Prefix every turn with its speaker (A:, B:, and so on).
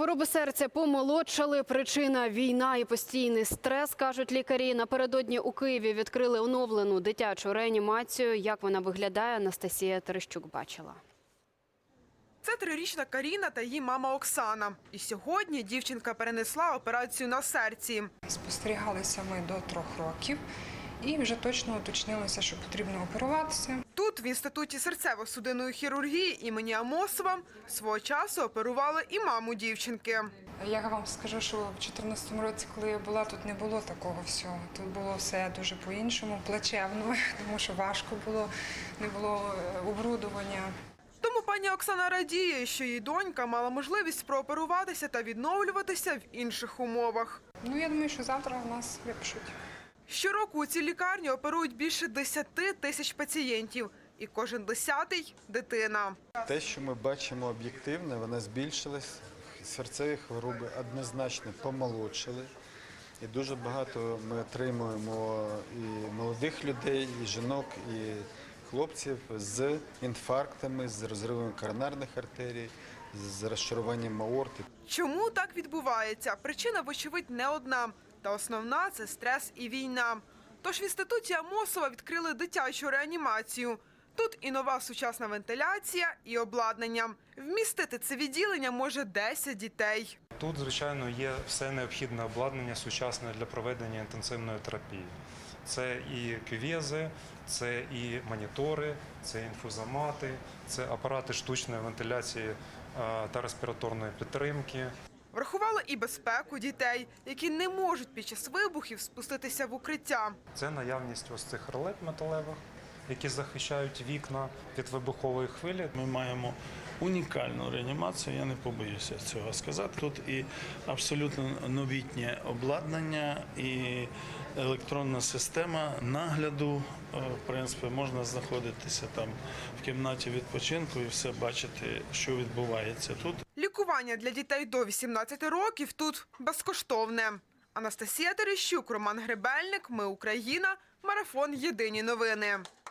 A: Хвороби серця помолодшали. Причина – війна і постійний стрес, кажуть лікарі. Напередодні у Києві відкрили оновлену дитячу реанімацію. Як вона виглядає, Анастасія Терещук бачила.
B: Це 3-річна Каріна та її мама Оксана. І сьогодні дівчинка перенесла операцію на серці.
C: Спостерігалися ми до 3 років і вже точно уточнилося, що потрібно оперуватися.
B: Тут, в Інституті серцево-судинної хірургії імені Амосова, свого часу оперували і маму дівчинки.
C: Я вам скажу, що в 2014 році, коли я була, тут не було такого всього. Тут було все дуже по-іншому, плачевно, тому що важко було, не було оборудовання.
B: Тому пані Оксана радіє, що її донька мала можливість прооперуватися та відновлюватися в інших умовах.
C: Я думаю, що завтра нас випишуть.
B: Щороку у цій лікарні оперують більше 10 тисяч пацієнтів. І кожен 10-й – дитина.
D: Те, що ми бачимо об'єктивно, вона збільшилась. Серцеві хвороби однозначно помолодшали. І дуже багато ми отримуємо і молодих людей, і жінок, і хлопців з інфарктами, з розривами коронарних артерій, з розшаруванням аорти.
B: Чому так відбувається? Причина, вочевидь, не одна. Та основна – це стрес і війна. Тож в Інституті Амосова відкрили дитячу реанімацію. Тут і нова сучасна вентиляція, і обладнання. Вмістити це відділення може 10 дітей.
E: Тут, звичайно, є все необхідне обладнання сучасне для проведення інтенсивної терапії. Це і кювези, це і монітори, це інфузомати, це апарати штучної вентиляції та респіраторної підтримки.
B: Врахували і безпеку дітей, які не можуть під час вибухів спуститися в укриття.
E: Це наявність ось цих ролет металевих, які захищають вікна від вибухової хвилі.
F: Ми маємо унікальну реанімацію, я не побоюся цього сказати. Тут і абсолютно новітнє обладнання, і електронна система нагляду. В принципі, можна знаходитися там в кімнаті відпочинку і все бачити, що відбувається тут.
B: Лікування для дітей до 18 років тут безкоштовне. Анастасія Терещук, Роман Гребельник. Ми Україна. Марафон. Єдині новини.